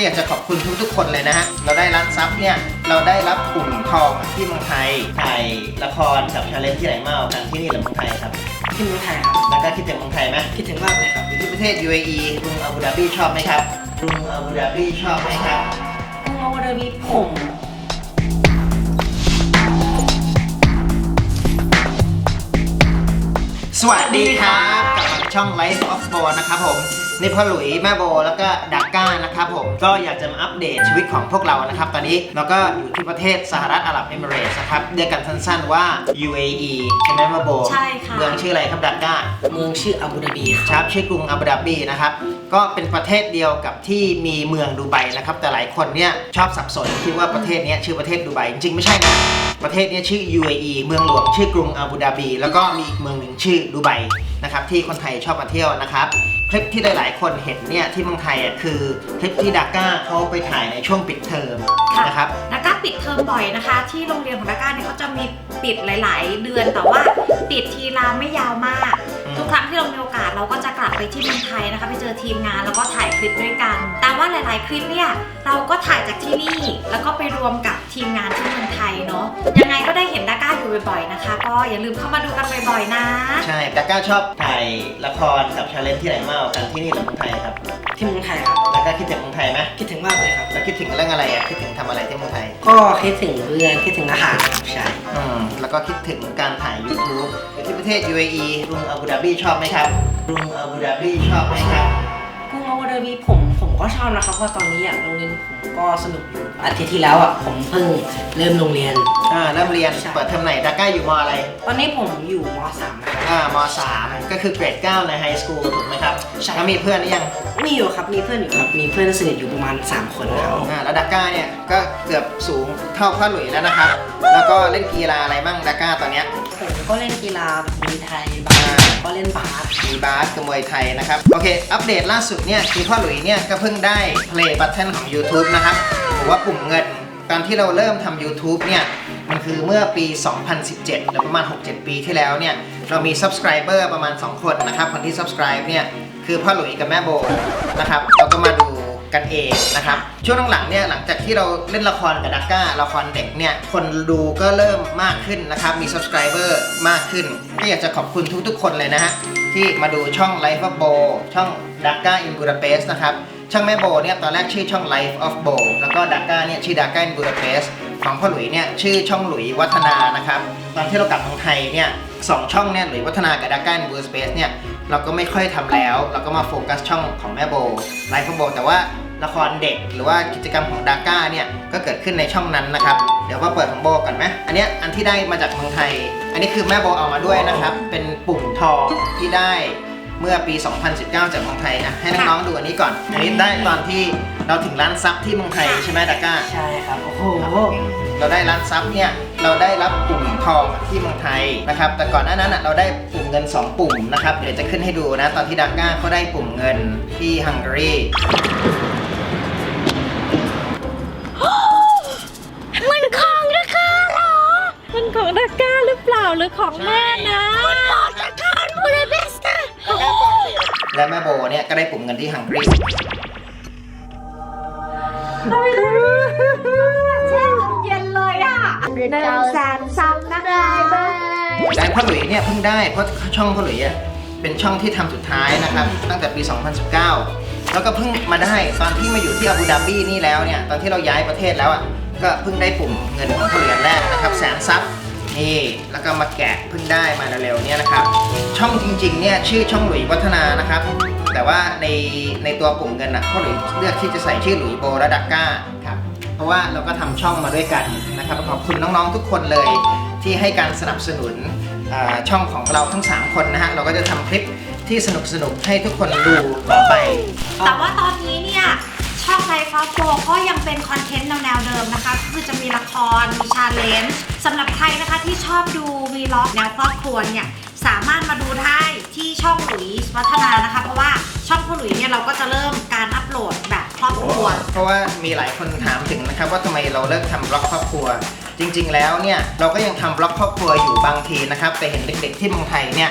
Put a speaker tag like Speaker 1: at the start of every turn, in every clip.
Speaker 1: อยากจะขอบคุณทุกๆคนเลยนะฮะเราได้ร้านซับเนี่ยเราได้รับปุ่มทองที่เมืองไทยถ่ายละครกับชาเลนจ์ที่ไหนมากันที่นี่หรือเมืองไทยครับ
Speaker 2: ที่เมืองไทยครับ
Speaker 1: แล้วก็คิดถึงเมืองไทยไหม
Speaker 2: คิดถึงมากเลยครับ
Speaker 1: อยู่ที่ประเทศ UAE กรุงอาบูดาบีชอบไหมครับกรุงอาบูดาบีชอบไหมครับ
Speaker 2: กรุงอาบูดาบี
Speaker 1: สวัสดีครับกลับมาช่อง Life of Bo นะครับผมนี่พ่อหลุยแม่โบแล้วก็ดักก้านะครับผมก็อยากจะมาอัปเดตชีวิตของพวกเรานะครับตอนนี้เราก็อยู่ที่ประเทศสหรัฐอาหรับเอมิเรตส์นะครับเรียกกันสั้นๆว่า UAE ใช่ไหมแม่โบ
Speaker 2: ใช่ค่ะ
Speaker 1: เมืองชื่ออะไรครับดักก้า
Speaker 2: เมืองชื่ออาบูดาบี
Speaker 1: ครับชื่อกรุงอาบูดาบีนะครับก็เป็นประเทศเดียวกับที่มีเมืองดูไบนะครับแต่หลายคนเนี่ยชอบสับสนคิดว่าประเทศนี้ชื่อประเทศดูไบจริงๆไม่ใช่นะประเทศนี้ชื่อ UAE เมืองหลวงชื่อกรุงอาบูดาบีแล้วก็มีอีกเมืองหนึ่งชื่อดูไบนะครับที่คนไทยชอบมาเที่ยวนะครับคลิปที่หลายๆคนเห็นเนี่ยที่เมืองไทยคือคลิปที่ดาก้าเขาไปถ่ายในช่วงปิดเทอมนะครับ
Speaker 3: ดาก้าปิดเทอมบ่อยนะคะที่โรงเรียนของดาก้าเนี่ยเขาจะมีปิดหลายๆเดือนแต่ว่าปิดทีละไม่ยาวมากทุกครั้งที่เรามีโอกาสเราก็จะกลับไปที่เมืองไทยนะคะไปเจอทีมงานแล้วก็ถ่ายคลิปด้วยกันแต่ว่าหลายๆคลิปเนี่ยเราก็ถ่ายจากที่นี่แล้วก็ไปรวมกับทีมงานที่เมืองไทยเนาะยังไงก็ได้เห็นดาก้าอยู่บ่อยๆนะคะก็อย่าลืมเข้ามาดูกันบ่อยๆนะ
Speaker 1: ใช่ดาก้าชอบถ่ายละครกับชาเลนจ์ที่ไหนมากันที่นี่หรือเมืองไทยครับ
Speaker 2: ที่เมืองไทยครับ
Speaker 1: แล้วก็คิดถึงเมืองไทยไหม
Speaker 2: คิดถึงมากเลยครับ
Speaker 1: แล้วคิดถึงเรื่องอะไรคิดถึงทำอะไรที่เมืองไทย
Speaker 2: ก็คิดถึงเพื่อนคิดถึงอาหารครับใช่
Speaker 1: แล้วก็คิดถึงการถ่าย YouTube อยู่ที่ประเทศ UAE กรุงอาบูดาบีชอบไหมครับกรุงอาบูดาบีชอบไหมครับ
Speaker 2: กรุงอาบูดาบีผมก็ชอบนะครับเพราะตอนนี้โรงเรียนผมก็สนุกอยู่อาทิตย์ที่แล้วผมเพิ่งเริ่มโรงเรียน
Speaker 1: เริ่มเรียนเปิดเทอมไหนดาก้าอยู่ม.อะไร
Speaker 2: ตอนนี้ผมอยู่ม.3นะครับ
Speaker 1: ม.3ก็คือเกรด9ในไฮสคูลถูกไหมครับ
Speaker 2: ใช่
Speaker 1: แล้วมีเพื่อนหรือยัง
Speaker 2: มีอยู่ครับมีเพื่อนอยู่ครับมีเพื่อนสนิทอยู่ประมาณ3คนครับ
Speaker 1: แล้วดาก้าเนี่ยก็เกือบสูงเท่าพ่อหลุยแล้วนะครับแล้วก็เล่นกีฬาอะไรบ้างดาก้าตอนเนี้ย
Speaker 2: ผมก็เล่นกีฬามวยไทยก็เล่นบาส
Speaker 1: มีบาสกับมวยไทยนะครับโอเคอัปเดตล่าสุดเนี่ยคือพ่อหลุยเนี่ยก็เพิ่งได้ Play Button ของ YouTube นะครับหรือว่าปุ่มเงินตอนที่เราเริ่มทำ YouTube เนี่ยมันคือเมื่อปี 2017 หรือประมาณ 6-7 ปีที่แล้วเนี่ยเรามี Subscriber ประมาณ 2 คนนะครับคนที่ Subscribe เนี่ยคือพ่อหลุยกับแม่โบนะครับเราก็มาดูกันเองนะครับช่วงหลังๆเนี่ยหลังจากที่เราเล่นละครกับดักก้าละครเด็กเนี่ยคนดูก็เริ่มมากขึ้นนะครับมี Subscriber มากขึ้นก็อยากจะขอบคุณทุกๆคนเลยนะฮะที่มาดูช่อง Life of Bo ช่อง Dhaka in Budapest นะครับช่องแม่โบเนี่ยตอนแรกชื่อช่อง Life of Bo แล้วก็ดักก้าเนี่ยชื่อ Dhaka in Budapest ของพ่อหลุยเนี่ยชื่อช่องหลุยวัฒนานะครับตอนที่เรากลับเมืองไทยเนี่ย2ช่องเนี่ยหลุยวัฒนากับ Dhaka in Budapest เนี่ยเราก็ไม่ค่อยทำแล้วเราก็มาโฟกัสช่องของแม่โบ Life of Bo แต่ว่าละครเด็กหรือว่ากิจกรรมของดาก้าเนี่ยก็เกิดขึ้นในช่องนั้นนะครับเดี๋ยวมาเปิดของโบก่อนไหมอันนี้อันที่ได้มาจากเมืองไทยอันนี้คือแม่โบเอามาด้วยนะครับเป็นปุ่มทองที่ได้เมื่อปี 2019 จากเมืองไทยให้น้องๆดูอันนี้ก่อนอันนี้ได้ตอนที่เราถึงร้านซับที่เมืองไทยใช่ไหมดาก้า
Speaker 2: ใช่ครับโอ้โห
Speaker 1: เราได้ร้านซับเนี่ยเราได้รับปุ่มทองที่เมืองไทยนะครับแต่ก่อนหน้านั้นเราได้ปุ่มเงิน2ปุ่มนะครับเดี๋ยวจะขึ้นให้ดูนะตอนที่ดาก้าเขาได้ปุ่มเงินที่ฮังการี
Speaker 3: มันของดาก้าเหรอมันของดาก้าหรือเปล่าหรือของแม่นะมันของดาก้าบูดาเปสต์
Speaker 1: และแม่โบเนี่ยก็ได้ปุ่มเงินที่ฮังการี
Speaker 3: แช่เย็นเลยอ่ะ100,000 นะคะ
Speaker 1: และพ่อหลุยเนี่ยเพิ่งได้เพราะช่องพ่อหลุยเป็นช่องที่ทำสุดท้ายนะครับตั้งแต่ปี 2019 แล้วก็เพิ่งมาได้ตอนที่มาอยู่ที่อาบูดาบีนี่แล้วเนี่ยตอนที่เราย้ายประเทศแล้วก็เพิ่งได้ปุ่มเงินของพ่อหลุยแรกนะครับ100,000 ซับนี่แล้วก็มาแกะเพิ่งได้มาเร็วๆเนี่ยนะครับช่องจริงๆเนี่ยชื่อช่องหลุยวัฒนานะครับแต่ว่าในตัวปุ่มเงินพ่อหลุยเลือกที่จะใส่ชื่อหลุยโบและดักก้าครับเพราะว่าเราก็ทำช่องมาด้วยกันนะครับขอบคุณน้องๆทุกคนเลยที่ให้การสนับสนุนช่องของเราทั้ง3คนนะฮะเราก็จะทำคลิปที่สนุกๆให้ทุกคนดูต่อไป
Speaker 3: แต่ว่าตอนนี้เนี่ยช่อง Life of Bo ก็ยังเป็นคอนเทนต์แนวเดิมนะคะคือจะมีละครมีชาเลนจ์สำหรับใครนะคะที่ชอบดูวีล็อกแนวครอบครัวเนี่ยสามารถมาดูได้ที่ช่องหลุยวัฒนานะคะเพราะว่าช่องพ่อหลุยเนี่ยเราก็จะเริ่มการอัปโหลดแบบครอบครัว
Speaker 1: เพราะว่ามีหลายคนถามถึงนะครับว่าทำไมเราเลิกทำบล็อกครอบครัวจริงๆแล้วเนี่ยเราก็ยังทำบล็อกครอบครัวอยู่บางทีนะครับแต่เห็นเด็กๆที่เมืองไทยเนี่ยเข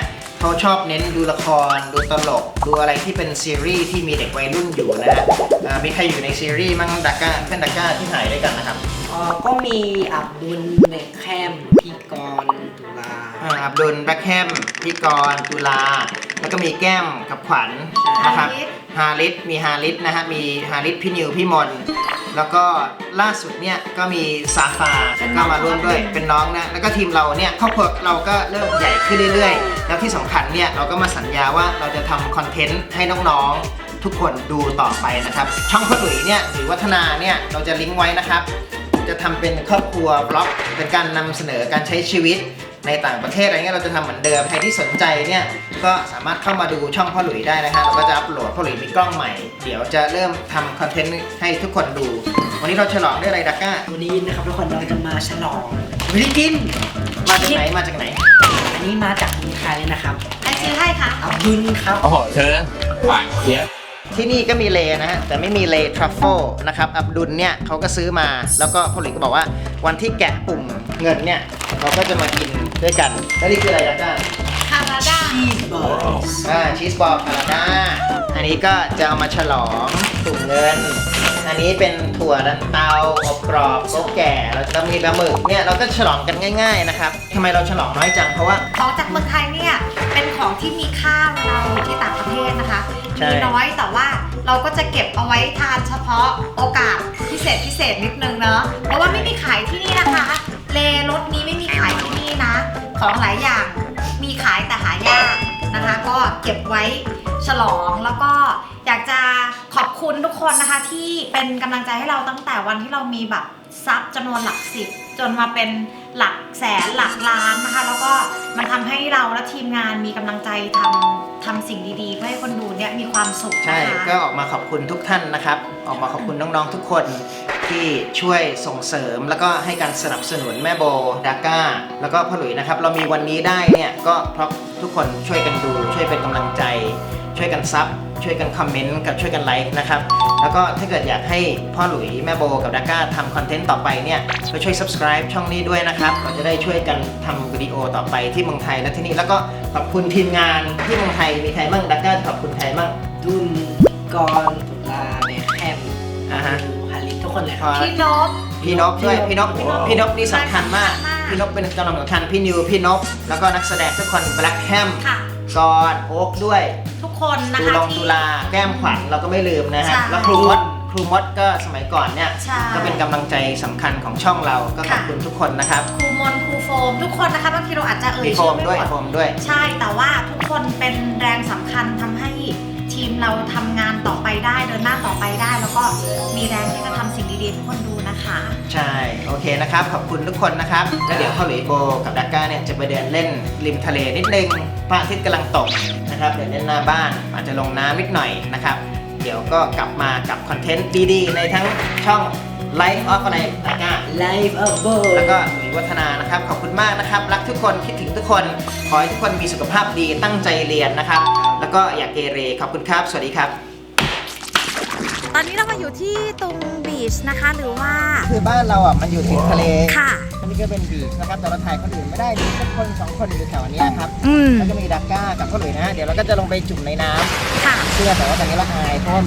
Speaker 1: เขาชอบเน้นดูละครดูตลกดูอะไรที่เป็นซีรีส์ที่มีเด็กวัยรุ่นอยู่นะฮะมีใครอยู่ในซีรีส์มั่งดักก้าเพื่อนดักก้าที่ถ่ายด้วยกันนะครับ
Speaker 2: ก็มีอับดุลเบคแฮมพี่กรณ์ตุลา
Speaker 1: อับดุลแบ็คแฮมพี่กรณ์ตุลาแล้วก็มีแก้มกับขวัญนะครับฮาริสมีฮาริสนะฮะมีฮาริสพี่นิวพี่มนแล้วก็ล่าสุดเนี่ยก็มีซาฟาก็มาร่วมด้วยเป็นน้องนะแล้วก็ทีมเราเนี่ยครอบครัวเราก็เริ่มใหญ่ขึ้นเรื่อยๆแล้วที่สำคัญเนี่ยเราก็มาสัญญาว่าเราจะทำคอนเทนต์ให้น้องๆทุกคนดูต่อไปนะครับช่องพ่อหลุยเนี่ยหรือวัฒนาเนี่ยเราจะลิงก์ไว้นะครับจะทำเป็นครอบครัวบล็อกเป็นการนำเสนอการใช้ชีวิตในต่างประเทศอะไรเงี้ยเราจะทำเหมือนเดิมใครที่สนใจเนี่ยก็สามารถเข้ามาดูช่องพ่อหลุยได้นะฮะเราก็จะอัปโหลดพ่อหลุยมีกล้องใหม่เดี๋ยวจะเริ่มทำคอนเทนต์ให้ทุกคนดูวันนี้เราฉลองด้วยอะไรดักก้า
Speaker 2: วันนี้นะครับทุกคนเราจะมาฉลองไม่ได้กิน
Speaker 1: มาจากไหนมาจากไหน
Speaker 2: อันนี้มาจากเมืองไทยเลยนะครับ
Speaker 3: ใครซื้อให้คะ
Speaker 2: อับดุลครับ
Speaker 4: โอ้โหเธอหวานเจี๊ยบ
Speaker 1: ที่นี่ก็มีเลนะฮะแต่ไม่มีเลทรัฟเฟิลนะครับอับดุลเนี่ยเขาก็ซื้อมาแล้วก็พ่อหลุยก็บอกว่าวันที่แกะปุ่มเงินเนี่ยเราก็จะมากินด้วยกันแล้วนี่คืออะไรดักก้า
Speaker 3: คาราดา
Speaker 2: ชีสบอล
Speaker 1: ชีสบอลพาราดาอันนี้ก็จะเอามาฉลองตุ่มเงิน อันนี้เป็นถั่วดันเตาอบกรอบโกแก่แล้วมีปลาหมึกเนี่ยเราก็ฉลองกันง่ายๆนะครับทำไมเราฉลองน้อยจังเพราะว่า
Speaker 3: ของจากเมืองไทยเนี่ยเป็นของที่มีค่าเวลาอยู่ที่ต่างประเทศนะคะ
Speaker 1: ใช่
Speaker 3: มีน้อยแต่ว่าเราก็จะเก็บเอาไว้ทานเฉพาะโอกาสพิเศษนิดนึงเนาะเพราะว่าไม่มีขายที่นี่นะคะเลรสนี้ไม่มีขายที่นี่นะ ของหลายอย่างมีขายแต่หายากนะคะ ก็เก็บไว้ฉลองแล้วก็อยากจะขอบคุณทุกคนนะคะที่เป็นกำลังใจให้เราตั้งแต่วันที่เรามีแบบซับจำนวนหลัก10จนมาเป็นหลักแสนหลักล้านนะคะแล้วก็มันทำให้เราและทีมงานมีกำลังใจทำสิ่งดีๆเพื่อให้คนดูเนี่ยมีความสุข
Speaker 1: ใช่
Speaker 3: นะคะ
Speaker 1: ก็ออกมาขอบคุณทุกท่านนะครับออกมาขอบคุณน้องๆทุกคนที่ช่วยส่งเสริมแล้วก็ให้การสนับสนุนแม่โบดาก้าแล้วก็พ่อหลุยนะครับเรามีวันนี้ได้เนี่ยก็เพราะทุกคนช่วยกันดูช่วยเป็นกำลังใจช่วยกันซับช่วยกันคอมเมนต์กับช่วยกันไลค์นะครับแล้วก็ถ้าเกิดอยากให้พ่อหลุยแม่โบกับดาก้าทำคอนเทนต์ต่อไปเนี่ยก็ช่วย subscribe ช่องนี้ด้วยนะครับเราจะได้ช่วยกันทำวิดีโอต่อไปที่เมืองไทยและที่นี่แล้วก็ขอบคุณทีมงานที่เมืองไทยมีใครบ้างดาก้าขอบคุณใครบ้าง
Speaker 2: ดุลกรณ์ตุลาเบคแฮม
Speaker 1: อ่าฮะ
Speaker 2: ฮาริสทุกคนเลยครับ
Speaker 3: พี่นพ
Speaker 1: พี่นพด้วยพี่นพนี่สำคัญมาก
Speaker 3: สำคัญมาก
Speaker 1: พี่นพเป็นกำลังสำคัญพี่นิวพี่นพแล้วก็นักแสดงทุกคนแบล็คแฮม
Speaker 3: ค่ะ
Speaker 1: กอนโอ๊กด้วย
Speaker 3: ทุกคนนะ
Speaker 1: ตู
Speaker 3: คะ
Speaker 1: ลง
Speaker 3: ที่
Speaker 1: ตุลาแก้มขวัญเราก็ไม่ลืมนะฮะ
Speaker 3: ใช่
Speaker 1: แล้วครูมดก็สมัยก่อนเนี่ย
Speaker 3: ใช่
Speaker 1: ก็เป็นกำลังใจสำคัญของช่องเราก็ขอบคุณทุกคนนะครับ
Speaker 3: ครูมนครูโฟมทุกคนนะคะบางทีเราอาจจะเอ่ย
Speaker 1: มีโฟ
Speaker 3: ชื่อ
Speaker 1: ม
Speaker 3: ไม่
Speaker 1: ด้วย
Speaker 3: หมด
Speaker 1: โฟมด้วย
Speaker 3: ใช่แต่ว่าทุกคนเป็นแรงสำคัญทำให้ทีมเราทำงานต่อไปได้เดินหน้าต่อไปได้ แล้วก็มีแรงที่จะทำสิ่งดีๆให้ทุกคนดูนะคะ
Speaker 1: ใช่โอเคนะครับขอบคุณทุกคนนะครับแล้วเดี๋ยวพ่อหลุยโบกับดาก้าเนี่ยจะไปเดินเล่นริมทะเลนิดนึงพระอาทิตย์กำลังตกนะครับเดินเล่นหน้าบ้านอาจจะลงน้ำนิดหน่อยนะครับเดี๋ยวก็กลับมากับคอนเทนต์ดีๆในทั้งช่อง Life of อะไรดาก้า
Speaker 2: ไลฟ์อัพเบอร์
Speaker 1: แล้วก็หลุยวัฒนานะครับขอบคุณมากนะครับรักทุกคนคิดถึงทุกคนขอให้ทุกคนมีสุขภาพดีตั้งใจเรียนนะครับแล้วก็อย่าเกเรขอบคุณครับสวัสดีครับ
Speaker 3: ตอนนี้เรามาอยู่ที่ตรงบีชนะคะหรือว่า
Speaker 1: คือบ้านเราอ่ะมันอยู่ติดทะเล
Speaker 3: ค่ะ
Speaker 1: อันนี้ก็เป็นบีชนะครับแต่เราถ่ายคนอื่นไม่ได้มีสักคนสองคนอยู่แถวนี้ครับ
Speaker 3: อืม
Speaker 1: แล้วก็มีดักก้ากับพ่อหลุยนะฮะเดี๋ยวเราก็จะลงไปจุ่มในน้
Speaker 3: ค่ะ
Speaker 1: ำเชื่อแต่ว่าตอนนี้เราอายเพราะว่า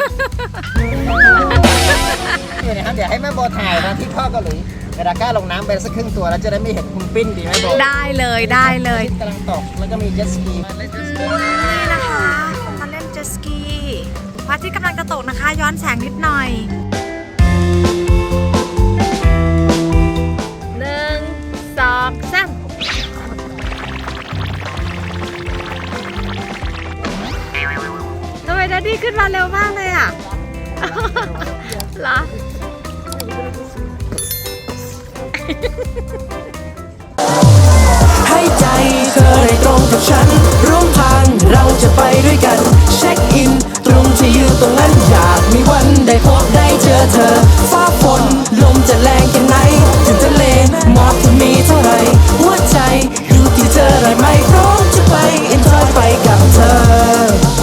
Speaker 1: เดี๋ยวนะครับเดี๋ยวให้แม่โบถ่ายตอนที่พ่อกับหลุยกับดักก้าลงน้ำไปสักครึ่งตัวแล้วจะได้ไม่เห็นคุณปิ้นดีไหมโบ
Speaker 3: ได้เลยได้เลย
Speaker 1: กำลังตกแล้วก็มีเจ็ตสกีมาเล่นเจ็ตสกี
Speaker 3: นี่นะคะมาเล่นเจ็ตสกีพระอาทิตย์กำลังจะตกนะคะ ย้อนแสงนิดหน่อย1 2 3ทำไมดัดดี้ขึ้นมาเร็วมากเลยอ่ะ เหรอ
Speaker 5: ให้ใจเธอได้ตรงกับฉันร่วมทางเราจะไปด้วยกันเช็คอินตรงที่ยืนตรงนั้นอยากมีวันได้พบได้เจอเธอ